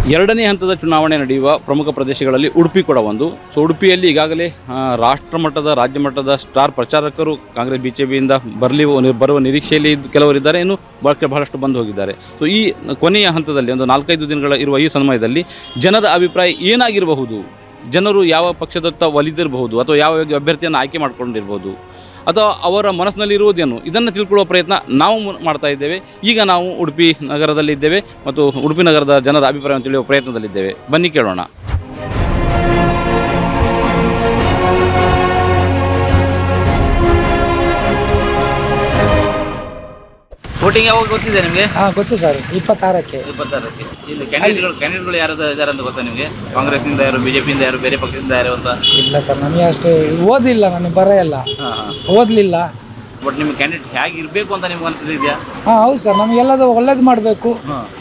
ಎರಡನೇ ಹಂತದ ಚುನಾವಣೆ ನಡೆಯುವ ಪ್ರಮುಖ ಪ್ರದೇಶಗಳಲ್ಲಿ ಉಡುಪಿ ಕೂಡ ಒಂದು. ಸೊ ಉಡುಪಿಯಲ್ಲಿ ಈಗಾಗಲೇ ರಾಷ್ಟ್ರ ಮಟ್ಟದ ರಾಜ್ಯ ಮಟ್ಟದ ಸ್ಟಾರ್ ಪ್ರಚಾರಕರು ಕಾಂಗ್ರೆಸ್ BJPಯಿಂದ ಬರುವ ನಿರೀಕ್ಷೆಯಲ್ಲಿ ಕೆಲವರಿದ್ದಾರೆ, ಇನ್ನು ಬಹಳಷ್ಟು ಬಂದು ಹೋಗಿದ್ದಾರೆ. ಸೊ ಈ ಕೊನೆಯ ಹಂತದಲ್ಲಿ ಒಂದು 4-5 ದಿನಗಳ ಇರುವ ಈ ಸಮಯದಲ್ಲಿ ಜನರ ಅಭಿಪ್ರಾಯ ಏನಾಗಿರಬಹುದು, ಜನರು ಯಾವ ಪಕ್ಷದತ್ತ ಒಲಿದಿರಬಹುದು ಅಥವಾ ಯಾವ ಅಭ್ಯರ್ಥಿಯನ್ನು ಆಯ್ಕೆ ಮಾಡಿಕೊಂಡಿರ್ಬೋದು ಅಥವಾ ಅವರ ಮನಸ್ಸಿನಲ್ಲಿರುವುದೇನು, ಇದನ್ನು ತಿಳ್ಕೊಳ್ಳುವ ಪ್ರಯತ್ನ ನಾವು ಮಾಡ್ತಾ ಇದ್ದೇವೆ. ಈಗ ನಾವು ಉಡುಪಿ ನಗರದಲ್ಲಿದ್ದೇವೆ ಮತ್ತು ಉಡುಪಿ ನಗರದ ಜನರ ಅಭಿಪ್ರಾಯವನ್ನು ತಿಳಿಯುವ ಪ್ರಯತ್ನದಲ್ಲಿದ್ದೇವೆ. ಬನ್ನಿ ಕೇಳೋಣ. ವೋಟಿಂಗ್ ಯಾವಾಗ ಗೊತ್ತಿದೆ ನಿಮಗೆ? ಗೊತ್ತು ಸರ್, 26ಕ್ಕೆ. ಇಲ್ಲಿ ಕ್ಯಾಂಡಿಡೇಟ್ಗಳು ಯಾರು ಇದ್ದಾರೆ ಅಂತ ಗೊತ್ತಾ ನಿಮಗೆ? ಕಾಂಗ್ರೆಸ್ನಿಂದ ಯಾರು, BJPಯಿಂದ ಯಾರು, ಬೇರೆ ಪಕ್ಷದಿಂದ ಯಾರು ಅಂತ? ಇಲ್ಲ ಸರ್, ನನಗೆ ಅಷ್ಟು ಓದಿಲ್ಲ, ನನಗೆ ಬರ ಇಲ್ಲ, ಓದಲಿಲ್ಲ. ಬಟ್ ನಿಮ್ಗೆ ಕ್ಯಾಂಡಿಡೇಟ್ ಹೇಗೆ ಇರಬೇಕು ಅಂತ ನಿಮ್ಗೆ ಅನಿಸಿದೆಯಾ? ಹೌದು ಸರ್, ನಮಗೆಲ್ಲದು ಒಳ್ಳೇದು ಮಾಡಬೇಕು,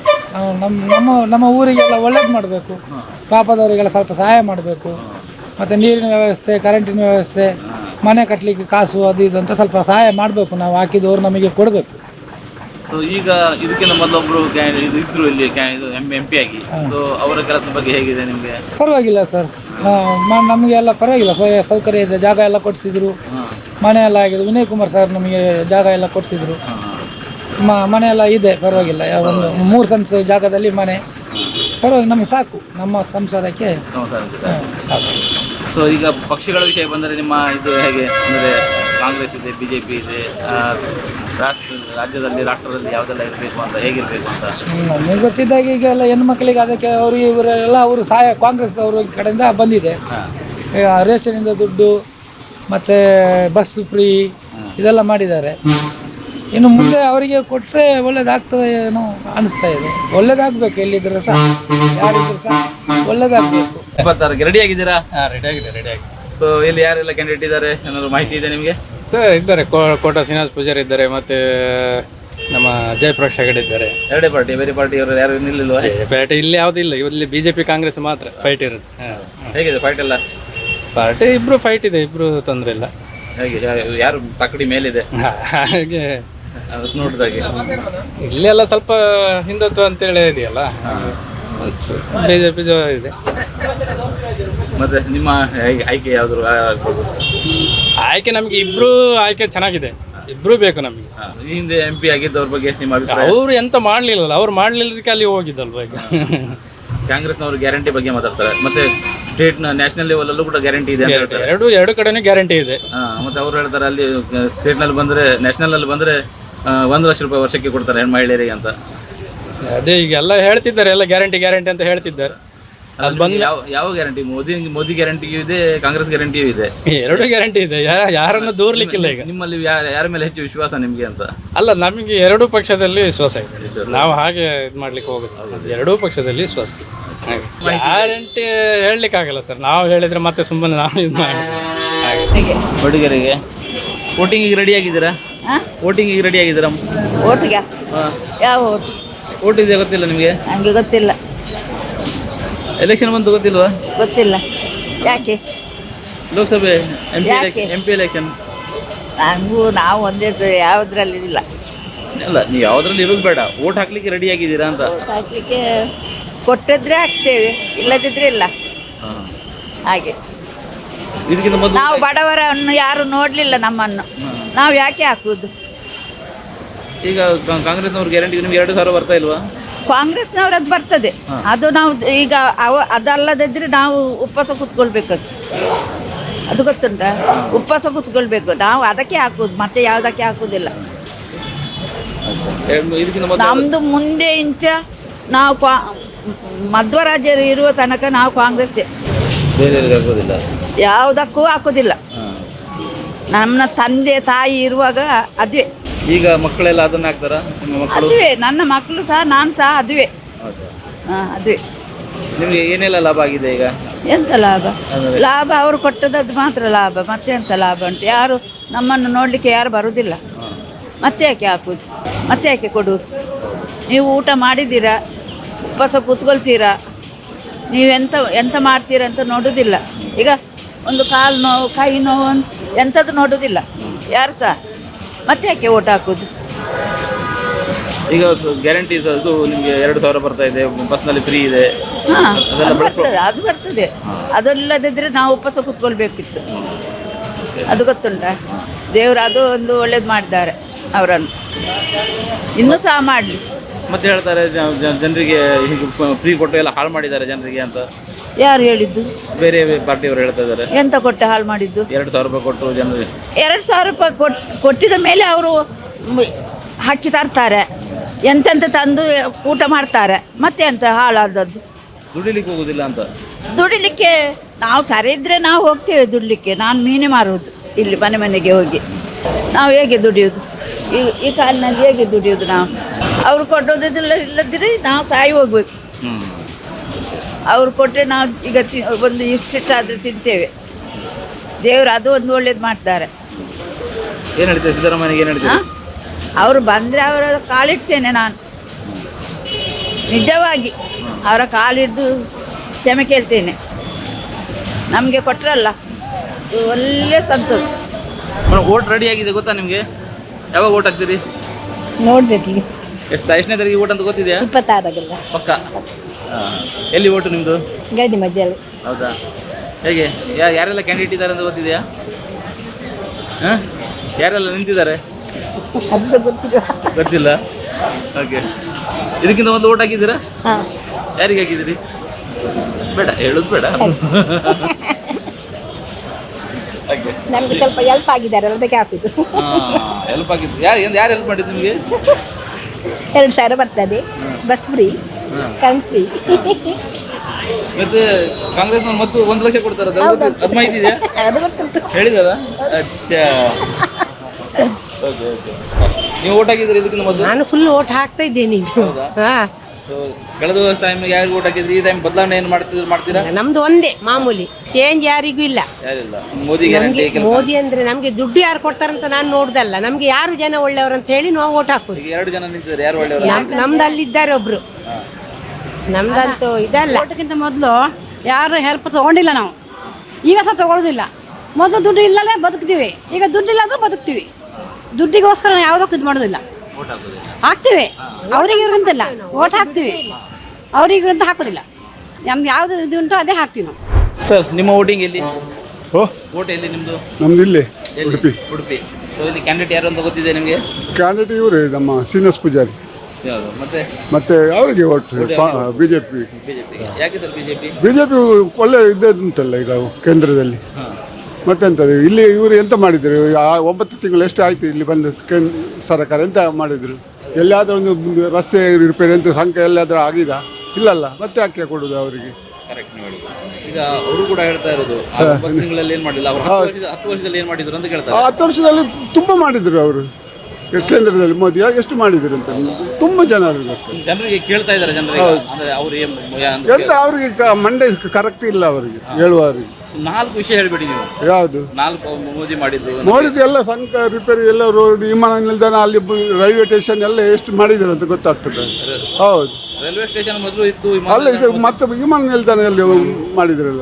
ನಮ್ಮ ಊರಿಗೆಲ್ಲ ಒಳ್ಳೇದು ಮಾಡಬೇಕು, ಪಾಪದವರಿಗೆಲ್ಲ ಸ್ವಲ್ಪ ಸಹಾಯ ಮಾಡಬೇಕು, ಮತ್ತು ನೀರಿನ ವ್ಯವಸ್ಥೆ, ಕರೆಂಟಿನ ವ್ಯವಸ್ಥೆ, ಮನೆ ಕಟ್ಟಲಿಕ್ಕೆ ಕಾಸು ಅದು ಇದು ಅಂತ ಸ್ವಲ್ಪ ಸಹಾಯ ಮಾಡಬೇಕು. ನಾವು ಹಾಕಿದವರು ನಮಗೆ ಕೊಡಬೇಕು. ಸೊ ಈಗ ಇದಕ್ಕಿಂತ ಮೊದಲೊಬ್ಬರು ಇದ್ರು ಇಲ್ಲಿ MP ಆಗಿ. ಸೊ ಅವರ ಕೆಲಸದ ಬಗ್ಗೆ ಹೇಗಿದೆ ನಿಮಗೆ? ಪರವಾಗಿಲ್ಲ ಸರ್, ನಮಗೆಲ್ಲ ಪರವಾಗಿಲ್ಲ, ಸೌಕರ್ಯ ಇದೆ, ಜಾಗ ಎಲ್ಲ ಕೊಡಿಸಿದ್ರು, ಮನೆ ಎಲ್ಲ ಆಗಿದೆ. ವಿನಯ್ ಕುಮಾರ್ ಸರ್ ನಮಗೆ ಜಾಗ ಎಲ್ಲ ಕೊಡಿಸಿದ್ರು, ಮನೆ ಎಲ್ಲ ಇದೆ, ಪರವಾಗಿಲ್ಲ. ಒಂದು 3 ಸೆಂಟ್ಸ್ ಜಾಗದಲ್ಲಿ ಮನೆ, ಪರವಾಗಿ ನಮಗೆ ಸಾಕು, ನಮ್ಮ ಸಂಸಾರಕ್ಕೆ ಸಾಕು. ಸೊ ಈಗ ಪಕ್ಷಗಳ ವಿಷಯ ಬಂದರೆ ನಿಮ್ಮ ಇದು ಹೇಗೆ ಅಂದರೆ ಕಾಂಗ್ರೆಸ್ ಇದೆ, BJP ಇದೆ, ರಾಜ್ಯದಲ್ಲಿ ರಾಷ್ಟ್ರದಲ್ಲಿ ಯಾವುದೆಲ್ಲ ಇರಬೇಕು ಅಂತ, ಹೇಗಿರಬೇಕು ಅಂತ ನಮಗೆ ಗೊತ್ತಿದ್ದಾಗ ಈಗ ಎಲ್ಲ ಹೆಣ್ಮಕ್ಳಿಗೆ ಅದಕ್ಕೆ ಅವರು ಇವರೆಲ್ಲ ಅವರು ಸಹಾಯ ಕಾಂಗ್ರೆಸ್ ಅವ್ರ ಕಡೆಯಿಂದ ಬಂದಿದೆ. ರೇಷನಿಂದ ದುಡ್ಡು ಮತ್ತು ಬಸ್ ಫ್ರೀ ಇದೆಲ್ಲ ಮಾಡಿದ್ದಾರೆ. ಇನ್ನು ಮುಂದೆ ಅವರಿಗೆ ಕೊಟ್ಟರೆ ಒಳ್ಳೇದಾಗ್ತದೆ ಏನೋ ಅನಿಸ್ತಾ ಇದೆ. ಒಳ್ಳೇದಾಗಬೇಕು, ಎಲ್ಲಿದ್ದರೂ ಸಹ ಯಾರಿದ್ರೂ ಸಹ ಒಳ್ಳೇದಾಗಬೇಕು. 26ಕ್ಕೆ ರೆಡಿ ಆಗಿದ್ದೀರಾ? ರೆಡಿ ಆಗಿದೆ. ಸೊ ಇಲ್ಲಿ ಯಾರೆಲ್ಲ ಕ್ಯಾಂಡಿಡೇಟ್ ಇದ್ದಾರೆ, ಏನಾದ್ರು ಮಾಹಿತಿ ಇದೆ ನಿಮಗೆ? ಇದ್ದಾರೆ, ಕೋಟ ಶ್ರೀನಿವಾಸ್ ಪೂಜಾರಿ ಇದ್ದಾರೆ, ಮತ್ತು ನಮ್ಮ ಜಯಪ್ರಕಾಶ್ ಹೆಗಡೆ ಇದ್ದಾರೆ. ಎರಡೇ ಪಾರ್ಟಿ, ಬೇರೆ ಪಾರ್ಟಿಯವರು ಯಾರು ನಿಲ್ಲಿಲ್ವಾ? ಪಾರ್ಟಿ ಇಲ್ಲಿ ಯಾವುದಿಲ್ಲ, ಇಲ್ಲಿ BJP ಕಾಂಗ್ರೆಸ್ ಮಾತ್ರ ಫೈಟ್ ಇರುತ್ತೆ. ಹೇಗಿದೆ ಫೈಟ್ ಎಲ್ಲ? ಪಾರ್ಟಿ ಇಬ್ಬರು ಫೈಟ್ ಇದೆ, ಇಬ್ಬರು ತೊಂದರೆ ಇಲ್ಲ. ಹೇಗೆ ಯಾರು ತಕ್ಕಡಿ ಮೇಲಿದೆ ಹಾಗೆ ನೋಡಿದಾಗೆ? ಇಲ್ಲೆಲ್ಲ ಸ್ವಲ್ಪ ಹಿಂದುತ್ವ ಅಂತೇಳಿ ಇದೆಯಲ್ಲ, BJP ಇದೆ. ಮತ್ತೆ ನಿಮ್ಮ ಆಯ್ಕೆ ಯಾವ್ದು ಆಗ್ಬೋದು? ಆಯ್ಕೆ ನಮಗೆ ಇಬ್ರು ಆಯ್ಕೆ ಚೆನ್ನಾಗಿದೆ, ಇಬ್ರು ಬೇಕು ನಮಗೆ. ಈ ಹಿಂದೆ MP ಆಗಿದ್ದವ್ರ ಬಗ್ಗೆ ನಿಮ್ಮ ಅಭಿಪ್ರಾಯ? ಅವ್ರು ಎಂತ ಮಾಡ್ಲಿಲ್ಲಲ್ಲ, ಅವ್ರು ಮಾಡ್ಲಿಲ್ಲದಕ್ಕೆ ಅಲ್ಲಿ ಹೋಗಿದ್ದಲ್ವ. ಈಗ ಕಾಂಗ್ರೆಸ್ನವರು ಗ್ಯಾರಂಟಿ ಬಗ್ಗೆ ಮಾತಾಡ್ತಾರೆ, ಮತ್ತೆ ಸ್ಟೇಟ್ ನ್ಯಾಷನಲ್ ಲೆವೆಲ್ ಅಲ್ಲೂ ಕೂಡ ಗ್ಯಾರಂಟಿ ಇದೆ ಅಂತ ಹೇಳ್ತಾರೆ. ಎರಡು ಕಡೆನೂ ಗ್ಯಾರಂಟಿ ಇದೆ. ಮತ್ತೆ ಅವ್ರು ಹೇಳ್ತಾರೆ ಅಲ್ಲಿ ಸ್ಟೇಟ್ ನಲ್ಲಿ ಬಂದ್ರೆ, ನ್ಯಾಷನಲ್ ನಲ್ಲಿ ಬಂದ್ರೆ 1 ಲಕ್ಷ ರೂಪಾಯಿ ವರ್ಷಕ್ಕೆ ಕೊಡ್ತಾರೆ ಮಹಿಳೆಯರಿಗೆ ಅಂತ. ಅದೇ ಈಗ ಎಲ್ಲ ಹೇಳ್ತಿದ್ದಾರೆ, ಎಲ್ಲ ಗ್ಯಾರಂಟಿ ಅಂತ ಹೇಳ್ತಿದ್ದಾರೆ. ಅದು ಬಂದು ಯಾವ ಗ್ಯಾರಂಟಿ? ಮೋದಿ ಗ್ಯಾರಂಟಿಯೂ ಇದೆ, ಕಾಂಗ್ರೆಸ್ ಗ್ಯಾರಂಟಿಯೂ ಇದೆ. ಎರಡು ಗ್ಯಾರಂಟಿ ಇದೆ, ಯಾರನ್ನು ದೂರ್ಲಿಕ್ಕಿಲ್ಲ. ಈಗ ನಿಮ್ಮಲ್ಲಿ ಯಾರ ಮೇಲೆ ಹೆಚ್ಚು ವಿಶ್ವಾಸ ನಿಮಗೆ ಅಂತ? ಅಲ್ಲ, ನಮಗೆ ಎರಡೂ ಪಕ್ಷದಲ್ಲಿ ವಿಶ್ವಾಸ ಇದೆ. ನಾವು ಹಾಗೆ ಇದು ಮಾಡ್ಲಿಕ್ಕೆ ಹೋಗೋದು, ಎರಡೂ ಪಕ್ಷದಲ್ಲಿ ವಿಶ್ವಾಸ ಇದೆ. ಗ್ಯಾರಂಟಿ ಹೇಳಲಿಕ್ಕಾಗಲ್ಲ ಸರ್, ನಾವು ಹೇಳಿದ್ರೆ ಮತ್ತೆ ಸುಮ್ಮನೆ ನಾವು ಇದು ಮಾಡಿ ಹಾಗೆ. ಹುಡುಗರಿಗೆ ವೋಟಿಂಗಿಗೆ ರೆಡಿ ಆಗಿದ್ದೀರಾ? ವೋಟಿಂಗಿಗೆ ರೆಡಿ ಆಗಿದ್ದೀರಾ? ಓಟಿಗೆ ಯಾವ ಓಟು? ವೋಟ್ ಇದೆ ಗೊತ್ತಿಲ್ಲ ನಿಮಗೆ? ನನಗೆ ಗೊತ್ತಿಲ್ಲ. ಎಲೆಕ್ಷನ್ ಬಂತು ಗೊತ್ತಿಲ್ವಾ? ಗೊತ್ತಿಲ್ಲ. ಯಾಕೆ? ಲೋಕಸಭೆ MP ಎಲೆಕ್ಷನ್. ನಾವು ಒಂದೇ ಯಾವುದ್ರಲ್ಲಿ ಇಲ್ಲ. ಅಲ್ಲ, ನೀವು ಯಾವುದ್ರಲ್ಲಿ ಇರೋದು ಬೇಡ, ವೋಟ್ ಹಾಕ್ಲಿಕ್ಕೆ ರೆಡಿ ಆಗಿದ್ದೀರಾ ಅಂತ. ಹಾಕ್ಲಿಕ್ಕೆ ಕೊಟ್ಟಿದ್ರೆ ಹಾಕ್ತೇವೆ, ಇಲ್ಲದಿದ್ರೆ ಇಲ್ಲ. ಹಾಗೆ ಇದಕ್ಕಿಂತ ಮೊದಲು ನಾವು ಬಡವರನ್ನು ಯಾರು ನೋಡಲಿಲ್ಲ ನಮ್ಮನ್ನು, ನಾವು ಯಾಕೆ ಹಾಕುವುದು? ಈಗ ಕಾಂಗ್ರೆಸ್ನವ್ರ ಗ್ಯಾರಂಟಿ ನಿಮ್ಗೆ 2,000 ಬರ್ತಾ ಇಲ್ವಾ? ಕಾಂಗ್ರೆಸ್ನವ್ರದ್ದು ಬರ್ತದೆ, ಅದು ನಾವು ಈಗ ಅದಲ್ಲದಿದ್ರೆ ನಾವು ಉಪವಾಸ ಕೂತ್ಕೊಳ್ಬೇಕು. ಅದು ಗೊತ್ತುಂಟಾ? ಉಪವಾಸ ಕೂತ್ಕೊಳ್ಬೇಕು, ನಾವು ಅದಕ್ಕೆ ಹಾಕುದು, ಮತ್ತೆ ಯಾವುದಕ್ಕೆ ಹಾಕುವುದಿಲ್ಲ. ನಮ್ಮದು ಮುಂದೆ ಇಂಚ ನಾವು ಮಧ್ವರಾಜ್ಯರು ಇರುವ ತನಕ ನಾವು ಕಾಂಗ್ರೆಸ್, ಯಾವುದಕ್ಕೂ ಹಾಕೋದಿಲ್ಲ. ನಮ್ಮ ತಂದೆ ತಾಯಿ ಇರುವಾಗ ಅದುವೆ. ಈಗ ಮಕ್ಕಳೆಲ್ಲ ಅದನ್ನ ಹಾಕ್ತಾರ? ಅದುವೆ ನನ್ನ ಮಕ್ಕಳು ಸಹ, ನಾನು ಸಹ ಅದುವೆ. ಅದುವೆ. ನಿಮಗೆ ಏನೆಲ್ಲ ಲಾಭ ಆಗಿದೆ ಈಗ? ಎಂತ ಲಾಭ? ಲಾಭ ಅವರು ಕೊಟ್ಟದ್ದು ಮಾತ್ರ ಲಾಭ, ಮತ್ತೆ ಎಂತ ಲಾಭ ಉಂಟು? ಯಾರು ನಮ್ಮನ್ನು ನೋಡಲಿಕ್ಕೆ ಯಾರು ಬರುವುದಿಲ್ಲ. ಮತ್ತೆ ಯಾಕೆ ಹಾಕುವುದು, ಮತ್ತೆ ಯಾಕೆ ಕೊಡುವುದು? ನೀವು ಊಟ ಮಾಡಿದ್ದೀರಾ, ಉಪವಾಸ ಕೂತ್ಕೊಳ್ತೀರಾ, ನೀವು ಎಂತ ಮಾಡ್ತೀರಾ ಅಂತ ನೋಡೋದಿಲ್ಲ. ಈಗ ಒಂದು ಕಾಲು ನೋವು, ಕೈ ನೋವು, ಎಂಥದ್ದು ನೋಡೋದಿಲ್ಲ ಯಾರು ಸಹ. ಮತ್ತೆ ಯಾಕೆ ಓಟ್ ಹಾಕೋದು? ಈಗ ಗ್ಯಾರಂಟಿ ಅದು ನಿಮಗೆ 2,000 ಬರ್ತಾ ಇದೆ, ಬಸ್ನಲ್ಲಿ ಫ್ರೀ ಇದೆ, ಹಾಂ ಅದು ಬರ್ತದೆ, ಅದು ಬರ್ತದೆ. ಅದಲ್ಲದಿದ್ದರೆ ನಾವು ಉಪವಾಸ ಕೂತ್ಕೊಳ್ಬೇಕಿತ್ತು. ಅದು ಗೊತ್ತುಂಟಾ? ದೇವರು ಅದು ಒಂದು ಒಳ್ಳೇದು ಮಾಡಿದ್ದಾರೆ ಅವರನ್ನು, ಇನ್ನೂ ಸಹ ಮಾಡಲಿ. ಮತ್ತೆ ಹೇಳ್ತಾರೆ ಜನರಿಗೆ ಹೀಗೆ ಫ್ರೀ ಕೊಟ್ಟು ಎಲ್ಲ ಹಾಳು ಮಾಡಿದ್ದಾರೆ ಜನರಿಗೆ ಅಂತ. ಯಾರು ಹೇಳಿದ್ದು? ಬೇರೆ ಪಾರ್ಟಿಯವರು ಹೇಳ್ತಾ ಇದ್ದಾರೆ. ಎಂತ ಕೊಟ್ಟು ಹಾಳು ಮಾಡಿದ್ದು? 2,000 ರೂಪಾಯಿ ಕೊಟ್ಟರು ಜನರಿಗೆ. 2,000 ರೂಪಾಯಿ ಕೊಟ್ಟಿದ ಮೇಲೆ ಅವರು ಹಾಕಿ ತರ್ತಾರೆ, ಎಂತೆಂತ ತಂದು ಊಟ ಮಾಡ್ತಾರೆ. ಮತ್ತೆ ಎಂತ ಹಾಳಾದದ್ದು? ದುಡಿಲಿಕ್ಕೆ ಹೋಗೋದಿಲ್ಲ ಅಂತ. ದುಡಿಲಿಕ್ಕೆ ನಾವು ಸರಿ ಇದ್ದರೆ ನಾವು ಹೋಗ್ತೇವೆ ದುಡಿಲಿಕ್ಕೆ. ನಾನು ಮೀನೇ ಮಾರುವುದು ಇಲ್ಲಿ ಮನೆಗೆ ಹೋಗಿ. ನಾವು ಹೇಗೆ ದುಡಿಯೋದು? ಈ ಕಾಲಿನಲ್ಲಿ ಹೇಗೆ ದುಡಿಯೋದು ನಾವು? ಅವರು ಕೊಡೋದಿಲ್ಲ, ಇಲ್ಲದಿದ್ರೆ ನಾವು ಸಾಯಿ ಹೋಗ್ಬೇಕು. ಅವ್ರು ಕೊಟ್ಟರೆ ನಾವು ಈಗ ಒಂದು ಇಷ್ಟಾದರೂ ತಿಂತೇವೆ. ದೇವರು ಅದು ಒಂದು ಒಳ್ಳೇದು ಮಾಡ್ತಾರೆ. ಏನು ಹೇಳ್ತೀವಿ ಸಿದ್ದರಾಮಯ್ಯಗೆ? ಏನು ಹೇಳ್ತೀವಿ? ಅವರು ಬಂದರೆ ಅವರ ಕಾಲಿಡ್ತೇನೆ ನಾನು, ನಿಜವಾಗಿ ಅವರ ಕಾಲಿಡ್ದು ಕ್ಷಮೆ ಕೇಳ್ತೇನೆ. ನಮಗೆ ಕೊಟ್ಟರಲ್ಲ, ಒಳ್ಳೆ ಸಂತೋಷ. ಓಟ್ ರೆಡಿ ಆಗಿದೆ ಗೊತ್ತಾ ನಿಮಗೆ? ಯಾವಾಗ ಓಟ್ ಹಾಕ್ತೀರಿ? ನೋಡ್ಬೇಕೀಗ. ಎಷ್ಟನೇ ತಾರೀಕಿಗೆ ಓಟ್ ಅಂತ ಗೊತ್ತಿದೆಯಾ? 26 ಪಕ್ಕ. ಎಲ್ಲಿ ಓಟು ನಿಮ್ಮದು? ಗಡಿ ಮಜ್ಜಲ್ಲಿ. ಹೌದಾ? ಹೇಗೆ ಯಾರೆಲ್ಲ ಕ್ಯಾಂಡಿಡೇಟ್ ಇದ್ದಾರೆ ಅಂತ ಗೊತ್ತಿದೆಯಾ? ಹಾಂ, ಯಾರೆಲ್ಲ ನಿಂತಿದ್ದಾರೆ? ಅದು ಸಹ ಗೊತ್ತಿಲ್ಲ. ಗೊತ್ತಿಲ್ಲ. ಓಕೆ. ಇದಕ್ಕಿಂತ ಒಂದು ಓಟ್ ಹಾಕಿದ್ದೀರಾ? ಹಾಂ. ಯಾರಿಗೆ ಹಾಕಿದ್ದೀರಿ? ಬೇಡ ಹೇಳೋದು ಬೇಡ. ನಮಗೆ ಸ್ವಲ್ಪ ಹೆಲ್ಪ್ ಆಗಿದ್ದಾರೆ, ಅದಕ್ಕೆ ಹಾಕಿದ್ದು. ಹೆಲ್ಪ್ ಆಗಿದ್ದು ಯಾರು ಹೆಲ್ಪ್ ಮಾಡಿದ್ದು ನಿಮಗೆ? 2,000 ಬರ್ತದೆ, ಬಸ್ ಫ್ರೀ, ಕರೆಂಟ್ ಫ್ರೀ. ಮತ್ತೆ ಕಾಂಗ್ರೆಸ್ನವ್ರು ಮತ್ತು 1 ಲಕ್ಷ ಕೊಡ್ತಾರೆ, ಅದು ಮಾಹಿತಿ ಇದೆಯಾ? ಅದು ಗೊತ್ತುಂಟು. ಹೇಳಿದಾರ? ಅಚ್ಚಾ. Okay okay. ನೀವು ಓಟ್ ಹಾಕಿದ್ರಿ ಇದಕ್ಕಿಂತ ಮೊದಲು? ನಾನು ಫುಲ್ ಓಟ್ ಹಾಕ್ತಾ ಇದ್ದೇನೆ ಈಗ. ಹಾಂ. ಕಳೆದ ಟೈಮ್ ಯಾರಿಗೆ ಓಟ್ ಹಾಕಿದ್ರಿ? ಈ ಟೈಮ್ ಬದಲಾವಣೆ ಏನು ಮಾಡ್ತೀರಾ? ನಮ್ದು ಒಂದೇ ಮಾಮೂಲಿ, ಚೇಂಜ್ ಯಾರಿಗೂ ಇಲ್ಲ. ಯಾರಿಲ್ಲ. ಮೋದಿ ಮೋದಿ ಅಂದ್ರೆ ನಮಗೆ ದುಡ್ಡು ಯಾರು ಕೊಡ್ತಾರಂತ ನಾನು ನೋಡ್ದಲ್ಲ, ನಮ್ಗೆ ಯಾರು ಜನ ಒಳ್ಳೆಯವರು ಅಂತ ಹೇಳಿ ನಾವು ಓಟ್ ಹಾಕೋದು. 2 ಜನ ನಿಂತಿದ್ದಾರೆ, ಯಾರು ಒಳ್ಳೆಯವರು? ನಮ್ದು ಅಲ್ಲಿದ್ದಾರೆ ಒಬ್ರು, ನಮ್ದಂತೂ ಇದಲ್ಲ. ಓಟಕ್ಕಿಂತ ಮೊದಲು ಯಾರು ಹೆಲ್ಪ್ ತಗೊಂಡಿಲ್ಲ ನಾವು, ಈಗ ಸಹ ತಗೊಳ್ಳೋದಿಲ್ಲ. ಮೊದಲು ದುಡ್ಡು ಇಲ್ಲಲೇ ಬದುಕ್ತೀವಿ, ಈಗ ದುಡ್ಡು ಇಲ್ಲ ಅಂದ್ರೆ ಬದುಕ್ತೀವಿ. ದುಡ್ಡಿಗೋಸ್ಕರ ನಾವು ಯಾವುದಕ್ಕೂ ಇದು ಮಾಡೋದಿಲ್ಲ, ಹಾಕ್ತೀವಿ. ಅವ್ರಿಗೆ ಇವ್ರಂತಿಲ್ಲ, ಓಟ್ ಹಾಕ್ತೀವಿ, ಅವ್ರಿಗೆ ಇವ್ರಂತ ಹಾಕೋದಿಲ್ಲ. ನಮ್ಗೆ ಯಾವುದು ಇದು ಉಂಟು ಅದೇ ಹಾಕ್ತೀವಿ ನಾವು. ಸರ್, ನಿಮ್ಮ ವೋಟಿಂಗ್ ಎಲ್ಲಿ? ಓ, ಓಟ್ ಎಲ್ಲಿ ನಿಮ್ಮದು? ನಮ್ದು ಇಲ್ಲಿ ಎಲ್ಲಿ? ಉಡುಪಿ. ಉಡುಪಿ. ಇಲ್ಲಿ ಕ್ಯಾಂಡಿಡೇಟ್ ಯಾರು ಅಂತ ಗೊತ್ತಿದೆ ನಿಮಗೆ? ಕ್ಯಾಂಡಿಡೇಟ್ ಇವರು ನಮ್ಮ ಶ್ರೀನಿವಾಸ್ ಪೂಜಾರಿ. ಯಾವುದು? ಮತ್ತೆ ಅವರಿಗೆ ಓಟ್ ಬಿಜೆಪಿ. ಯಾಕೆ ಸರ್ ಬಿಜೆಪಿ? ಬಿಜೆಪಿ ಒಳ್ಳೆ ಉಂಟಲ್ಲ ಈಗ ಕೇಂದ್ರದಲ್ಲಿ. ಮತ್ತೆಂತದ್ದು ಇಲ್ಲಿ ಇವರು ಎಂತ ಮಾಡಿದರು? 9 ತಿಂಗಳು ಎಷ್ಟು ಆಯ್ತು ಇಲ್ಲಿ ಬಂದು ಸರ್ಕಾರ ಎಂತ ಮಾಡಿದ್ರು? ಎಲ್ಲಿಯಾದ್ರೂ ಒಂದು ರಸ್ತೆ ರಿಪೇರಿ ಅಂತ ಸಂಖ್ಯೆ ಎಲ್ಲಾದ್ರೂ ಆಗಿದೆ? ಇಲ್ಲಲ್ಲ, ಮತ್ತೆ ಯಾಕೆ ಕೊಡೋದು ಅವರಿಗೆ? ಕರೆಕ್ಟ್ ನೋಡಿ. ಈಗ ಅವರು ಕೂಡ ಹೇಳ್ತಾ ಇರೋದು 9 ತಿಂಗಳಲ್ಲಿ ಏನು ಮಾಡಿಲ್ಲ, ಅವರು 10 ವರ್ಷದಲ್ಲಿ ಏನು ಮಾಡಿದ್ರು ಅಂತ ಕೇಳ್ತಾರೆ. 10 ವರ್ಷದಲ್ಲಿ ತುಂಬ ಮಾಡಿದ್ರು ಅವರು ಕೇಂದ್ರದಲ್ಲಿ. ಮೋದಿ ಎಷ್ಟು ಮಾಡಿದ್ರು ಅಂತ ತುಂಬ ಜನರಿಗೆ ಕೇಳ್ತಾ ಇದ್ದಾರೆ. ಜನರಿಗೆ ಅಂದ್ರೆ ಅವರು ಎಂತ ಅವ್ರಿಗೆ ಮಂಡೆ ಕರೆಕ್ಟ್ ಇಲ್ಲ ಅವರಿಗೆ ಹೇಳುವವರಿಗೆ. 4 ವಿಷಯ ಹೇಳ್ಬೇಡಿ ನೀವು. ಯಾವುದು? 4 ಮೋದಿ ಮಾಡಿದ್ದು ಎಲ್ಲ ಸಂಕ ರಿಪೇರಿ ಎಲ್ಲ ರೋಡ್, ವಿಮಾನ ನಿಲ್ದಾಣ, ಅಲ್ಲಿ ರೈಲ್ವೆ ಸ್ಟೇಷನ್ ಎಲ್ಲ ಎಷ್ಟು ಮಾಡಿದ್ರು ಅಂತ ಗೊತ್ತಾಗ್ತದೆ. ಹೌದು, ರೈಲ್ವೆ ಸ್ಟೇಷನ್ ಮೊದಲು ಇತ್ತು, ಅಲ್ಲ ಇದು ಮತ್ತೆ ವಿಮಾನ ನಿಲ್ದಾಣ ಎಲ್ಲಿ ಮಾಡಿದ್ರಲ್ಲ,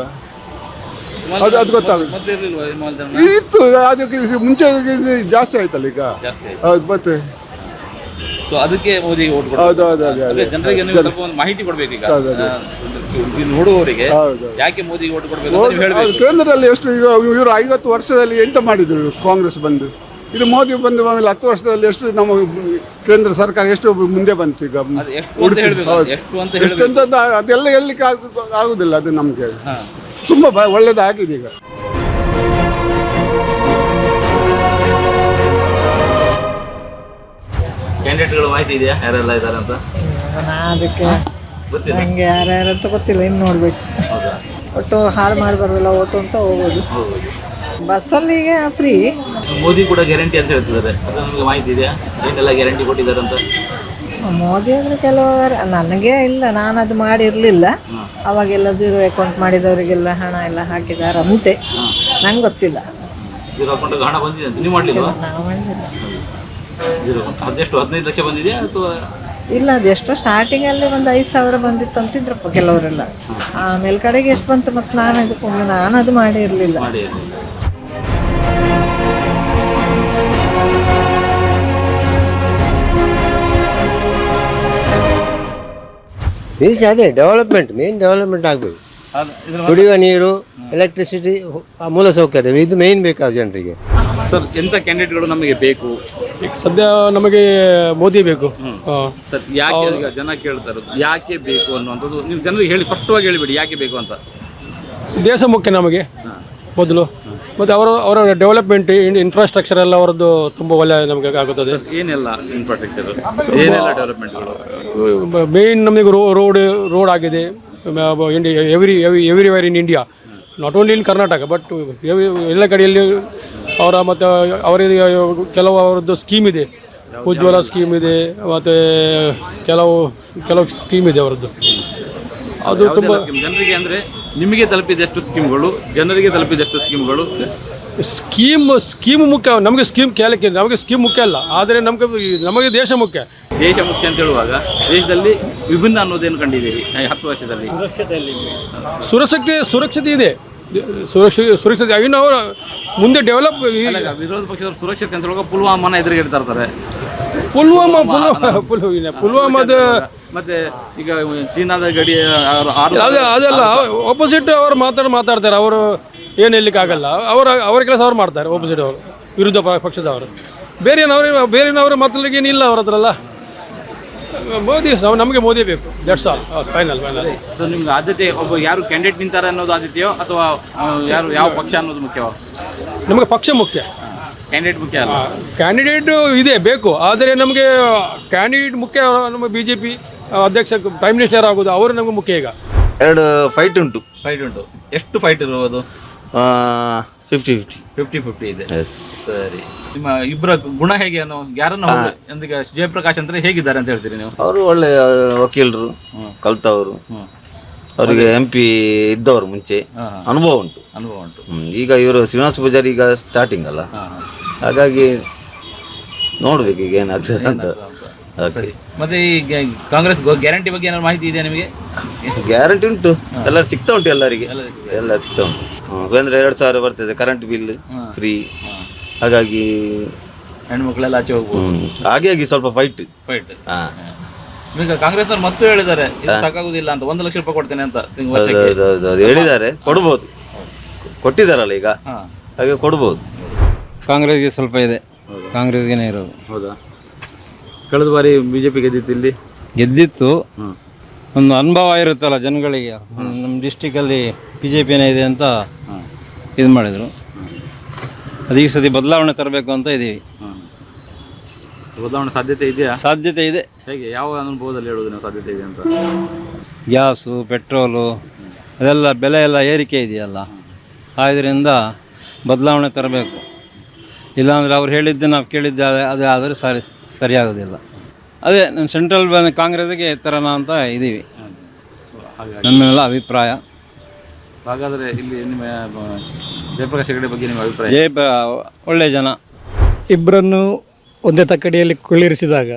ಅದು ಗೊತ್ತಾಗುತ್ತೆ. ಇತ್ತು, ಅದಕ್ಕೆ ಮುಂಚೆ ಜಾಸ್ತಿ ಆಯ್ತಲ್ಲ ಈಗ. ಹೌದು, ಮತ್ತೆ ಅದಕ್ಕೆ ಮೋದಿ ಓಟ್ ಹೌದು ಹೌದು ಜನರಿಗೆ ನೀವು ಸ್ವಲ್ಪ ಒಂದು ಮಾಹಿತಿ ಕೊಡ್ಬೇಕು. ಈಗ ನೋಡುವವರಿಗೆ ಯಾಕೆ ಮೋದಿ ಓಟ್ ಕೊಡಬೇಕು ಅಂತ ಹೇಳಬೇಕು. ಕೇಂದ್ರದಲ್ಲಿ ಎಷ್ಟು ಈಗ ಇವರು 50 ವರ್ಷದಲ್ಲಿ ಎಂತ ಮಾಡಿದ್ರು ಕಾಂಗ್ರೆಸ್ ಬಂದು? ಇದು ಮೋದಿ ಬಂದು ಆಮೇಲೆ 10 ವರ್ಷದಲ್ಲಿ ಎಷ್ಟು ನಮ್ಮ ಕೇಂದ್ರ ಸರ್ಕಾರ ಎಷ್ಟು ಮುಂದೆ ಬಂತು ಈಗ? ಎಷ್ಟಂತ ಅದೆಲ್ಲ ಹೇಳಲಿಕ್ಕೆ ಆಗುದಿಲ್ಲ. ಅದು ನಮಗೆ ತುಂಬ ಒಳ್ಳೇದಾಗಿದೆ ಈಗ. ಕ್ಯಾಂಡಿಡೇಟ್ಗಳು ಮಾಹಿತಿ ಇದೆಯಾ ಯಾರೆಲ್ಲ ಇದ್ದಾರೆ ಅಂತ? ಅದಕ್ಕೆ ನನಗೆ ಯಾರ್ಯಾರಂತ ಗೊತ್ತಿಲ್ಲ, ಇನ್ನು ನೋಡ್ಬೇಕು. ಒಟ್ಟು ಹಾಳು ಮಾಡಬಾರ್ದಲ್ಲ ಓಟು ಅಂತ ಹೋಗೋದು. ಬಸ್ಸಲ್ಲಿಗೆ ಫ್ರೀ. ಮೋದಿ ಕೂಡ ಗ್ಯಾರಂಟಿ ಅಂತ ಹೇಳ್ತಿದ್ದಾರೆ, ಅದು ನಮಗೆ ಮಾಹಿತಿ ಇದೆಯಾ? ಏನೆಲ್ಲ ಗ್ಯಾರಂಟಿ ಕೊಟ್ಟಿದ್ದಾರೆ ಅಂತ? ಮೋದಿ ಅಂದರೆ ಕೆಲವರು, ನನಗೆ ಇಲ್ಲ, ನಾನು ಅದು ಮಾಡಿರಲಿಲ್ಲ. ಅವಾಗೆಲ್ಲ 0 ಅಕೌಂಟ್ ಮಾಡಿದವರಿಗೆಲ್ಲ ಹಣ ಎಲ್ಲ ಹಾಕಿದಾರಂತೆ, ನಂಗೆ ಗೊತ್ತಿಲ್ಲ. 0 ಅಕೌಂಟ್ ಹಣ ಬಂದಿದೆ ಅಂತ ನೀವು ಮಾಡಲಿಲ್ಲ? ನಾವು ಮಾಡಿಲ್ಲ. ಅದೆಷ್ಟು 15 ಲಕ್ಷ ಬಂದಿದೆಯಾ ಅಥವಾ? ಇಲ್ಲ, ಅದೆಷ್ಟೋ ಸ್ಟಾರ್ಟಿಂಗಲ್ಲಿ ಒಂದು 5,000 ಬಂದಿತ್ತು ಅಂತಿದ್ರಪ್ಪ ಕೆಲವರೆಲ್ಲ. ಆಮೇಲೆ ಕಡೆಗೆ ಎಷ್ಟು ಬಂತು ಮತ್ತು ನಾನು ಅದು ಮಾಡಿರಲಿಲ್ಲ. ನಿರೀಕ್ಷೆ ಅದೇ ಡೆವಲಪ್ಮೆಂಟ್, ಮೇನ್ ಡೆವಲಪ್ಮೆಂಟ್ ಆಗಬೇಕು. ಕುಡಿಯುವ ನೀರು, ಎಲೆಕ್ಟ್ರಿಸಿಟಿ, ಮೂಲಸೌಕರ್ಯ ಇದು ಮೇನ್ ಬೇಕಾದ ಜನರಿಗೆ. ಸರ್ ಎಂಥ ಕ್ಯಾಂಡಿಡೇಟ್ಗಳು ನಮಗೆ ಬೇಕು? ಈಗ ಸದ್ಯ ನಮಗೆ ಮೋದಿ ಬೇಕು. ಸರ್ ಯಾಕೆ ಈಗ ಜನ ಕೇಳ್ತಾರೆ ಯಾಕೆ ಬೇಕು ಅನ್ನುವಂಥದ್ದು ನೀವು ಜನರಿಗೆ ಹೇಳಿ, ಸ್ಪಷ್ಟವಾಗಿ ಹೇಳಿಬಿಡಿ ಯಾಕೆ ಬೇಕು ಅಂತ. ದೇಶ ಮುಖ್ಯ ನಮಗೆ ಮೊದಲು, ಮತ್ತು ಅವರ ಡೆವಲಪ್ಮೆಂಟ್ ಇನ್ಫ್ರಾಸ್ಟ್ರಕ್ಚರ್ ಎಲ್ಲ ಅವರದ್ದು ತುಂಬ ಒಳ್ಳೆಯ ನಮಗೆ ಆಗುತ್ತದೆ. ಏನೆಲ್ಲ ಇನ್ಫ್ರಾಸ್ಟ್ರಕ್ಚರ್, ಏನೆಲ್ಲ ಡೆವಲಪ್ಮೆಂಟ್ಗಳು? ಮೇನ್ ನಮಗೆ ರೋಡ್ ಆಗಿದೆ everywhere in India, not only in Karnataka but ಎಲ್ಲ ಕಡೆಯಲ್ಲಿ. ಮತ್ತು ಅವರಿಗೆ ಕೆಲವು ಅವರದ್ದು ಸ್ಕೀಮ್ ಇದೆ, ಉಜ್ವಲ ಸ್ಕೀಮ್ ಇದೆ, ಮತ್ತು ಕೆಲವು ಸ್ಕೀಮ್ ಇದೆ ಅವರದ್ದು. ಅದು ತುಂಬ ಜನರಿಗೆ ಅಂದರೆ ನಿಮಗೆ ತಲುಪಿದಷ್ಟು ಸ್ಕೀಮ್ಗಳು, ಜನರಿಗೆ ತಲುಪಿದಷ್ಟು ಸ್ಕೀಮ್ಗಳು. ಸ್ಕೀಮ್ ಮುಖ್ಯ, ನಮಗೆ ಸ್ಕೀಮ್ ಕೇಳಕ್ಕೆ ನಮಗೆ ಸ್ಕೀಮ್ ಮುಖ್ಯ ಅಲ್ಲ, ಆದರೆ ನಮಗೆ ದೇಶ ಮುಖ್ಯ. ದೇಶ ಮುಖ್ಯ ಅಂತ ಹೇಳುವಾಗ ದೇಶದಲ್ಲಿ ವಿಭಿನ್ನ ಅನ್ನೋದೇನು ಕಂಡಿದ್ದೀರಿ 10 ವರ್ಷದಲ್ಲಿ? ಸುರಕ್ಷತೆ ಇದೆ, ಸುರಕ್ಷತೆ ಇನ್ನು ಅವರು ಮುಂದೆ ಡೆವಲಪ್. ವಿರೋಧ ಪಕ್ಷದವರು ಸುರಕ್ಷತೆ ಅಂತ ಹೇಳುವಾಗ ಪುಲ್ವಾಮಾನ ಎದುರಿಗೆ ಇಡ್ತಾ ಇರ್ತಾರೆ. ಪುಲ್ವಾಮಾದ ಮತ್ತೆ ಈಗ ಚೀನಾದ ಗಡಿ ಅದೆಲ್ಲ ಆಪೋಸಿಟ್ ಅವರು ಮಾತಾಡ್ತಾರೆ. ಅವರು ಏನು ಹೇಳಲಿಕ್ಕಾಗಲ್ಲ, ಅವರ ಕೆಲಸ ಅವ್ರು ಮಾಡ್ತಾರೆ. ಆಪೋಸಿಟ್ ಅವರು, ವಿರುದ್ಧ ಪಕ್ಷದವರು, ಬೇರೆನವರು ಮಾತಾಡಲಿಕ್ಕೆ ಏನಿಲ್ಲ ಅವ್ರ ಹತ್ರ ಅಲ್ಲ. ಮೋದಿ, ನಮಗೆ ಮೋದಿ ಬೇಕು. That's all, final. ನಿಮ್ಗೆ ಆದ್ಯತೆ ಒಬ್ಬ ಯಾರು ಕ್ಯಾಂಡಿಡೇಟ್ ನಿಂತಾರೆ ಅನ್ನೋದು ಆದ್ಯತೆಯೋ ಅಥವಾ ಯಾವ ಪಕ್ಷ ಅನ್ನೋದು ಮುಖ್ಯವೋ? ನಮಗೆ ಪಕ್ಷ ಮುಖ್ಯ, ಕ್ಯಾಂಡಿಡೇಟ್ ಮುಖ್ಯ ಅಲ್ಲ. ಕ್ಯಾಂಡಿಡೇಟ್ ಇದೆ ಬೇಕು, ಆದರೆ ನಮಗೆ ಕ್ಯಾಂಡಿಡೇಟ್ ಮುಖ್ಯ. ನಮ್ಮ BJP ಅಧ್ಯಕ್ಷ ಪ್ರೈಮ್ ಮಿನಿಸ್ಟರ್ ಆಗೋದು ಅವರು ನಮಗೆ ಮುಖ್ಯ. ಈಗ 2 ಫೈಟ್ ಉಂಟು. ಎಷ್ಟು ಫೈಟ್ ಇರುವುದು? 50-50 ಇದೆ. ಸರಿ, ನಿಮ್ಮ ಇಬ್ಬರ ಗುಣ ಹೇಗೆ ಅನ್ನೋ ಯಾರನ್ನ ಈಗ ಜಯಪ್ರಕಾಶ್ ಅಂದ್ರೆ ಹೇಗಿದ್ದಾರೆ ಅಂತ ಹೇಳ್ತೀರಿ ನೀವು? ಅವರು ಒಳ್ಳೆ ವಕೀಲರು, ಕಲ್ತವರು, ಅವರಿಗೆ MP ಇದ್ದವರು, ಮುಂಚೆ ಅನುಭವ ಉಂಟು. ಈಗ ಇವರು ಶ್ರೀನಿವಾಸ ಪೂಜಾರಿ ಈಗ ಸ್ಟಾರ್ಟಿಂಗ್ ಅಲ್ಲ, ಹಾಗಾಗಿ ನೋಡ್ಬೇಕು ಈಗ ಏನಾಗ್ತದೆ ಅಂತ. ಮತ್ತೆ ಈ ಕಾಂಗ್ರೆಸ್ ಗ್ಯಾರಂಟಿ ಬಗ್ಗೆ ಏನಾದ್ರು ಮಾಹಿತಿ ಇದೆಯಾ ನಿಮಗೆ? ಗ್ಯಾರಂಟಿ ಉಂಟು, ಎಲ್ಲ ಸಿಗ್ತಾ ಉಂಟು, ಎಲ್ಲರಿಗೆ ಎಲ್ಲ ಸಿಗ್ತಾ ಉಂಟು. ಅಂದ್ರೆ 2,000 ಬರ್ತದೆ, ಕರೆಂಟ್ ಬಿಲ್ ಫ್ರೀ, ಹಾಗಾಗಿ ಹೆಣ್ಮಕ್ಳೆಲ್ಲ ಆಚೆ ಹೋಗ್ಬೋದು. ಹಾಗಾಗಿ ಸ್ವಲ್ಪ ಫೈಟ್. ಈಗ ಕಾಂಗ್ರೆಸ್ ಅವ್ರು ಮತ್ತೆ ಹೇಳಿದ್ದಾರೆ ಇದು ಸಾಕಾಗುದಿಲ್ಲ ಅಂತ, 1 ಲಕ್ಷ ರೂಪಾಯಿ ಕೊಡ್ತೇನೆ ಅಂತ ಹೇಳಿದ್ದಾರೆ. ಕೊಡ್ಬೋದು, ಕೊಟ್ಟಿದ್ದಾರಲ್ಲ ಈಗ, ಹಾಗೆ ಕೊಡ್ಬೋದು. ಕಾಂಗ್ರೆಸ್ಗೆ ಸ್ವಲ್ಪ ಇದೆ, ಕಾಂಗ್ರೆಸ್ಗೆ ಇರೋದು. ಹೌದಾ? ಕಳೆದ ಬಾರಿ BJP ಗೆದ್ದಿತ್ತು, ಇಲ್ಲಿ ಗೆದ್ದಿತ್ತು. ಒಂದು ಅನುಭವ ಇರುತ್ತಲ್ಲ ಜನಗಳಿಗೆ, ನಮ್ಮ ಡಿಸ್ಟಿಕಲ್ಲಿ BJP ಇದೆ ಅಂತ ಇದು ಮಾಡಿದರು. ಅದು ಈ ಸತಿ ಬದಲಾವಣೆ ತರಬೇಕು ಅಂತ ಇದ್ದೀವಿ. ಬದಲಾವಣೆ ಸಾಧ್ಯತೆ ಇದೆಯಾ? ಸಾಧ್ಯತೆ ಇದೆ. ಹೇಗೆ, ಯಾವ ಅನುಭವದಲ್ಲಿ ಹೇಳೋದು ನಾವು ಸಾಧ್ಯತೆ ಇದೆ ಅಂತ? ಗ್ಯಾಸು, ಪೆಟ್ರೋಲು ಅದೆಲ್ಲ ಬೆಲೆ ಎಲ್ಲ ಏರಿಕೆ ಇದೆಯಲ್ಲ, ಆದ್ದರಿಂದ ಬದಲಾವಣೆ ತರಬೇಕು. ಇಲ್ಲಾಂದರೆ ಅವ್ರು ಹೇಳಿದ್ದೆ ನಾವು ಕೇಳಿದ್ದೆ ಅದೇ ಆದರೆ ಸರಿಯಾಗೋದಿಲ್ಲ. ಅದೇ ನಮ್ಮ ಸೆಂಟ್ರಲ್ ಕಾಂಗ್ರೆಸ್ಗೆ ತರೋಣ ಅಂತ ಇದ್ದೀವಿ, ನಮ್ಮೆಲ್ಲ ಅಭಿಪ್ರಾಯ. ಹಾಗಾದರೆ ಇಲ್ಲಿ ನಿಮ್ಮ ಜಯಪ್ರಕಾಶ್ ಹೆಗಡೆ ಬಗ್ಗೆ ನಿಮ್ಮ ಅಭಿಪ್ರಾಯ? ಒಳ್ಳೆಯ ಜನ. ಇಬ್ಬರನ್ನು ಒಂದೇ ತಕ್ಕಡಿಯಲ್ಲಿ ಕುಳ್ಳಿರಿಸಿದಾಗ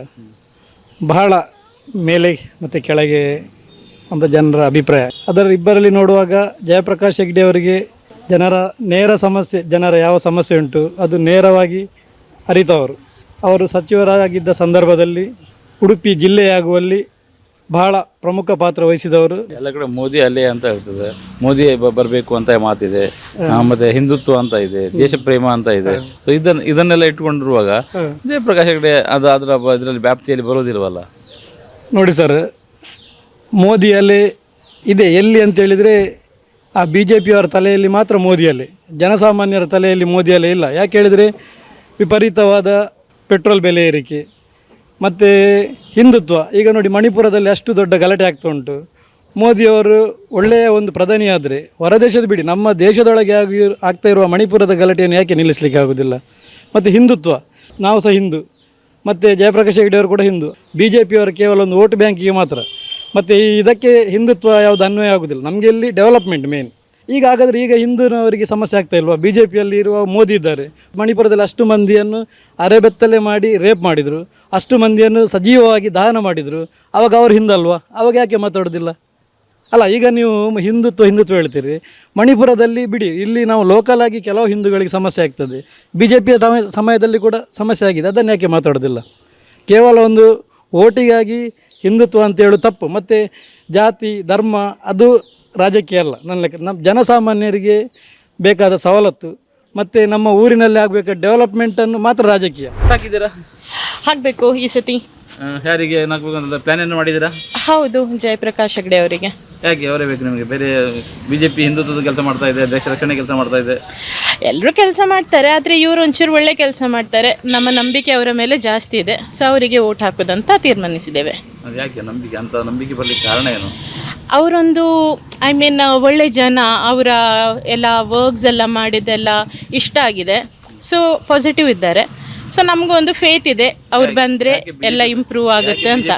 ಬಹಳ ಮೇಲೆ ಮತ್ತು ಕೆಳಗೆ ಅಂತ ಜನರ ಅಭಿಪ್ರಾಯ. ಅದರ ಇಬ್ಬರಲ್ಲಿ ನೋಡುವಾಗ ಜಯಪ್ರಕಾಶ್ ಹೆಗ್ಡೆ ಅವರಿಗೆ ಜನರ ನೇರ ಸಮಸ್ಯೆ, ಜನರ ಯಾವ ಸಮಸ್ಯೆ ಉಂಟು ಅದು ನೇರವಾಗಿ ಅರಿತವರು. ಅವರು ಸಚಿವರಾಗಿದ್ದ ಸಂದರ್ಭದಲ್ಲಿ ಉಡುಪಿ ಜಿಲ್ಲೆಯಾಗುವಲ್ಲಿ ಬಹಳ ಪ್ರಮುಖ ಪಾತ್ರ ವಹಿಸಿದವರು. ಎಲ್ಲ ಕಡೆ ಮೋದಿ ಅಲ್ಲೇ ಅಂತ ಹೇಳ್ತದೆ, ಮೋದಿ ಬರಬೇಕು ಅಂತ ಮಾತಿದೆ, ಮತ್ತೆ ಹಿಂದುತ್ವ ಅಂತ ಇದೆ, ದೇಶ ಪ್ರೇಮ ಅಂತ ಇದೆ. ಸೊ ಇದನ್ನೆಲ್ಲ ಇಟ್ಕೊಂಡಿರುವಾಗ ಜಯಪ್ರಕಾಶ್ ಹೆಗಡೆ ಇದರಲ್ಲಿ ವ್ಯಾಪ್ತಿಯಲ್ಲಿ ಬರೋದಿಲ್ವಲ್ಲ? ನೋಡಿ ಸರ್, ಮೋದಿ ಅಲ್ಲೇ ಇದೆ ಎಲ್ಲಿ ಅಂತೇಳಿದರೆ ಆ BJP ಅವರ ತಲೆಯಲ್ಲಿ ಮಾತ್ರ ಮೋದಿಯಲ್ಲೇ, ಜನಸಾಮಾನ್ಯರ ತಲೆಯಲ್ಲಿ ಮೋದಿಯಲ್ಲೇ ಇಲ್ಲ. ಯಾಕೆ ಹೇಳಿದರೆ ವಿಪರೀತವಾದ ಪೆಟ್ರೋಲ್ ಬೆಲೆ ಏರಿಕೆ ಮತ್ತು ಹಿಂದುತ್ವ. ಈಗ ನೋಡಿ, ಮಣಿಪುರದಲ್ಲಿ ಅಷ್ಟು ದೊಡ್ಡ ಗಲಾಟೆ ಆಗ್ತಾ ಉಂಟು. ಮೋದಿಯವರು ಒಳ್ಳೆಯ ಒಂದು ಪ್ರಧಾನಿ ಆದರೆ ಹೊರದೇಶದ ಬಿಡಿ, ನಮ್ಮ ದೇಶದೊಳಗೆ ಆಗ್ತಾ ಇರುವ ಮಣಿಪುರದ ಗಲಾಟೆಯನ್ನು ಯಾಕೆ ನಿಲ್ಲಿಸಲಿಕ್ಕೆ ಆಗೋದಿಲ್ಲ? ಮತ್ತು ಹಿಂದುತ್ವ, ನಾವು ಸಹ ಹಿಂದೂ, ಮತ್ತು ಜಯಪ್ರಕಾಶ್ ಹೆಗ್ಡೆ ಅವರು ಕೂಡ ಹಿಂದೂ. BJP ಅವರು ಕೇವಲ ಒಂದು ವೋಟ್ ಬ್ಯಾಂಕಿಗೆ ಮಾತ್ರ. ಮತ್ತು ಇದಕ್ಕೆ ಹಿಂದುತ್ವ ಯಾವುದು ಅನ್ವಯ ಆಗೋದಿಲ್ಲ. ನಮಗೆ ಇಲ್ಲಿ ಡೆವಲಪ್ಮೆಂಟ್ ಮೇನ್. ಈಗ ಹಾಗಾದರೆ ಈಗ ಹಿಂದೂನವರಿಗೆ ಸಮಸ್ಯೆ ಆಗ್ತಾ ಇಲ್ವಾ? BJPಯಲ್ಲಿ ಇರುವ ಮೋದಿ ಇದ್ದಾರೆ, ಮಣಿಪುರದಲ್ಲಿ ಅಷ್ಟು ಮಂದಿಯನ್ನು ಅರೆಬೆತ್ತಲೆ ಮಾಡಿ ರೇಪ್ ಮಾಡಿದರು, ಅಷ್ಟು ಮಂದಿಯನ್ನು ಸಜೀವವಾಗಿ ದಹನ ಮಾಡಿದರು. ಆವಾಗ ಅವರು ಹಿಂದಲ್ವಾ? ಆವಾಗ ಯಾಕೆ ಮಾತಾಡೋದಿಲ್ಲ ಅಲ್ಲ? ಈಗ ನೀವು ಹಿಂದುತ್ವ ಹೇಳ್ತೀರಿ, ಮಣಿಪುರದಲ್ಲಿ ಬಿಡಿ, ಇಲ್ಲಿ ನಾವು ಲೋಕಲ್ ಆಗಿ ಕೆಲವು ಹಿಂದೂಗಳಿಗೆ ಸಮಸ್ಯೆ ಆಗ್ತದೆ. BJP ಸಮಯದಲ್ಲಿ ಕೂಡ ಸಮಸ್ಯೆ ಆಗಿದೆ, ಅದನ್ನು ಯಾಕೆ ಮಾತಾಡೋದಿಲ್ಲ? ಕೇವಲ ಒಂದು ಓಟಿಗಾಗಿ ಹಿಂದುತ್ವ ಅಂತ ಹೇಳೋದು ತಪ್ಪು. ಮತ್ತು ಜಾತಿ ಧರ್ಮ ಅದು ರಾಜಕೀಯ ಅಲ್ಲ ನನ್ನ ಲೆಕ್ಕ. ನಮ್ಮ ಜನಸಾಮಾನ್ಯರಿಗೆ ಬೇಕಾದ ಸವಲತ್ತು ಮತ್ತು ನಮ್ಮ ಊರಿನಲ್ಲಿ ಆಗಬೇಕಾದ ಡೆವಲಪ್ಮೆಂಟನ್ನು ಮಾತ್ರ ರಾಜಕೀಯ. ಹಾಕಿದ್ದೀರಾ? ಹಾಕಬೇಕು ಈ ಸತಿ. ಯಾರಿಗೆ ಏನಾಗಬೇಕು ಅಂತ ಪ್ಲಾನ್ ಏನು ಮಾಡಿದ್ದೀರಾ? ಹೌದು, ಜಯಪ್ರಕಾಶ್ ಹೆಗ್ಡೆ ಅವರಿಗೆ. ಯಾಕೆ ಅವರೇ ಬೇಕು ನಿಮಗೆ? ಬೇರೆ ಬಿಜೆಪಿ ಹಿಂದುತ್ವದ ಕೆಲಸ ಮಾಡ್ತಾ ಇದೆ, ದೇಶ ರಕ್ಷಣೆ ಕೆಲಸ ಮಾಡ್ತಾ ಇದೆ. ಎಲ್ಲರೂ ಕೆಲಸ ಮಾಡ್ತಾರೆ, ಆದರೆ ಇವರು ಒಂಚೂರು ಒಳ್ಳೆ ಕೆಲಸ ಮಾಡ್ತಾರೆ. ನಮ್ಮ ನಂಬಿಕೆ ಅವರ ಮೇಲೆ ಜಾಸ್ತಿ ಇದೆ, ಸೊ ಅವರಿಗೆ ಓಟ್ ಹಾಕೋದಂತ ತೀರ್ಮಾನಿಸಿದ್ದೇವೆ. ಅದು ಯಾಕೆ ನಂಬಿಕೆ ಅಂತ ನಂಬಿಕೆ ಬರಲಿಕ್ಕೆ ಕಾರಣ ಏನು? ಅವರೊಂದು ಒಳ್ಳೆ ಜನ, ಅವರ ಎಲ್ಲ ವರ್ಕ್ಸ್ ಎಲ್ಲ ಮಾಡಿದ್ದೆಲ್ಲ ಇಷ್ಟ ಆಗಿದೆ, ಸೊ ಪಾಸಿಟಿವ್ ಇದ್ದಾರೆ. ಸೊ ನಮಗೂ ಒಂದು ಫೇತ್ ಇದೆ, ಅವ್ರು ಬಂದರೆ ಎಲ್ಲ ಇಂಪ್ರೂವ್ ಆಗುತ್ತೆ ಅಂತ.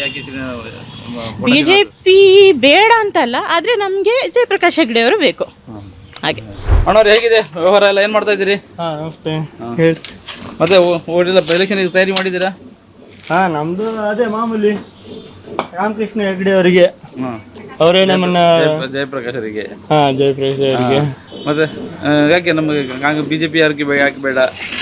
BJP ಬೇಡ ಅಂತಲ್ಲ, ಆದರೆ ನಮಗೆ ಜಯಪ್ರಕಾಶ್ ಹೆಗ್ಡೆ ಅವರು ಬೇಕು. ಹಾಗೆ ಅಣ್ಣವ್ರು ಹೇಗಿದೆ ವ್ಯವಹಾರ ಎಲ್ಲ ಏನು ಮಾಡ್ತಾ ಇದ್ದೀರಿ? ನಮಸ್ತೆ. ಹೇಳಿ. ಮತ್ತೆ ಓಡೆಲ್ಲ ಎಲೆಕ್ಷನ್ ತಯಾರಿ ಮಾಡಿದ್ದೀರಾ? ನಮ್ಮದು ಅದೇ ಮಾಮೂಲಿ ರಾಮಕೃಷ್ಣ ಹೆಗ್ಡೆ ಅವರಿಗೆ, ಅವರೇ ನಮ್ಮನ್ನ ಜಯಪ್ರಕಾಶ್ ಅವರಿಗೆ. ಜಯಪ್ರಕಾಶ್ ಅವರಿಗೆ. ಮತ್ತೆ ಯಾಕೆ ನಮಗೆ BJP ಯಾರಿಗೆ ಯಾಕೆ ಬೇಡ?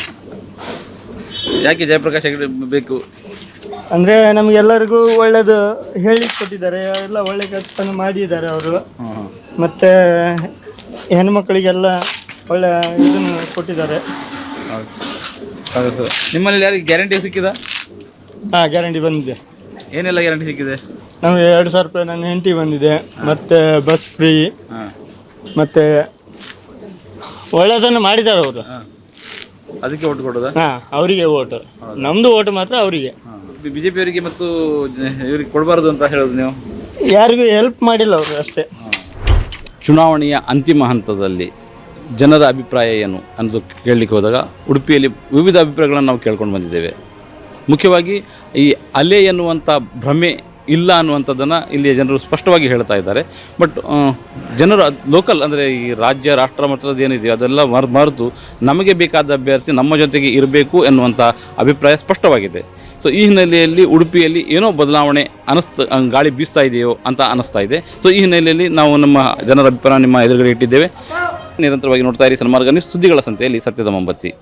ಯಾಕೆ ಜಯಪ್ರಕಾಶ್ ಹೆಗ್ಡೆ ಬೇಕು? ಅಂದರೆ ನಮಗೆಲ್ಲರಿಗೂ ಒಳ್ಳೇದು ಹೇಳಿ ಕೊಟ್ಟಿದ್ದಾರೆ, ಎಲ್ಲ ಒಳ್ಳೆ ಕೆಲಸ ಮಾಡಿದ್ದಾರೆ ಅವರು. ಮತ್ತು ಹೆಣ್ಮಕ್ಳಿಗೆಲ್ಲ ಒಳ್ಳೆ ಇದನ್ನು ಕೊಟ್ಟಿದ್ದಾರೆ. ಹೌದು ಸರ್. ನಿಮ್ಮಲ್ಲಿ ಯಾರಿಗೆ ಗ್ಯಾರಂಟಿ ಸಿಕ್ಕಿದ? ಗ್ಯಾರಂಟಿ ಬಂದಿದೆ. ಏನೆಲ್ಲ ಗ್ಯಾರಂಟಿ ಸಿಕ್ಕಿದೆ? ನಮಗೆ 2,000 ರೂಪಾಯಿ ನನ್ನ ಹೆಂಡತಿ ಬಂದಿದೆ, ಮತ್ತು ಬಸ್ ಫ್ರೀ, ಮತ್ತು ಒಳ್ಳೆಯದನ್ನು ಮಾಡಿದ್ದಾರೆ ಅವರು. ಅದಕ್ಕೆ ಓಟ್ ಕೊಡೋದಾ? ಅವರಿಗೆ ಓಟು, ನಮ್ಮದು ಓಟು ಮಾತ್ರ ಅವರಿಗೆ. BJP ಅವರಿಗೆ ಮತ್ತು ಇವ್ರಿಗೆ ಕೊಡಬಾರ್ದು ಅಂತ ಹೇಳೋದು ನೀವು? ಯಾರಿಗೂ ಹೆಲ್ಪ್ ಮಾಡಿಲ್ಲ ಅವರು ಅಷ್ಟೇ. ಚುನಾವಣೆಯ ಅಂತಿಮ ಹಂತದಲ್ಲಿ ಜನರ ಅಭಿಪ್ರಾಯ ಏನು ಅನ್ನೋದು ಕೇಳಲಿಕ್ಕೆ ಹೋದಾಗ ಉಡುಪಿಯಲ್ಲಿ ವಿವಿಧ ಅಭಿಪ್ರಾಯಗಳನ್ನು ನಾವು ಕೇಳ್ಕೊಂಡು ಬಂದಿದ್ದೇವೆ. ಮುಖ್ಯವಾಗಿ ಈ ಅಲೆ ಎನ್ನುವಂಥ ಭ್ರಮೆ ಇಲ್ಲ ಅನ್ನುವಂಥದ್ದನ್ನು ಇಲ್ಲಿಯ ಜನರು ಸ್ಪಷ್ಟವಾಗಿ ಹೇಳ್ತಾ ಇದ್ದಾರೆ. ಬಟ್ ಜನರು ಲೋಕಲ್ ಅಂದರೆ ಈ ರಾಜ್ಯ ರಾಷ್ಟ್ರ ಮಟ್ಟದ ಏನಿದೆಯೋ ಅದೆಲ್ಲ ಮರೆತು ನಮಗೆ ಬೇಕಾದ ಅಭ್ಯರ್ಥಿ ನಮ್ಮ ಜೊತೆಗೆ ಇರಬೇಕು ಎನ್ನುವಂಥ ಅಭಿಪ್ರಾಯ ಸ್ಪಷ್ಟವಾಗಿದೆ. ಸೊ ಈ ಹಿನ್ನೆಲೆಯಲ್ಲಿ ಉಡುಪಿಯಲ್ಲಿ ಏನೋ ಬದಲಾವಣೆ ಗಾಳಿ ಬೀಸ್ತಾ ಇದೆಯೋ ಅಂತ ಅನ್ನಿಸ್ತಾ ಇದೆ. ಸೊ ಈ ಹಿನ್ನೆಲೆಯಲ್ಲಿ ನಾವು ನಮ್ಮ ಜನರ ಅಭಿಪ್ರಾಯ ನಿಮ್ಮ ಎದುರುಗಡೆ ಇಟ್ಟಿದ್ದೇವೆ. ನಿರಂತರವಾಗಿ ನೋಡ್ತಾ ಇರಿ ಸನ್ಮಾರ್ಗ ನ್ಯೂಸ್, ಸುದ್ದಿಗಳ ಸಂತೆಯಲ್ಲಿ ಸತ್ಯದ ಮೊಂಬತ್ತಿ.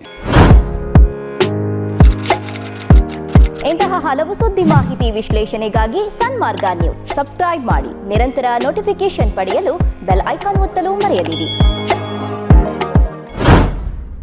ಇಂತಹ ಹಲವು ಸುದ್ದಿ ಮಾಹಿತಿ ವಿಶ್ಲೇಷಣೆಗಾಗಿ ಸನ್ಮಾರ್ಗ ನ್ಯೂಸ್ ಸಬ್ಸ್ಕ್ರೈಬ್ ಮಾಡಿ. ನಿರಂತರ ನೋಟಿಫಿಕೇಶನ್ ಪಡೆಯಲು ಬೆಲ್ ಐಕಾನ್ ಒತ್ತಲು ಮರೆಯದಿರಿ.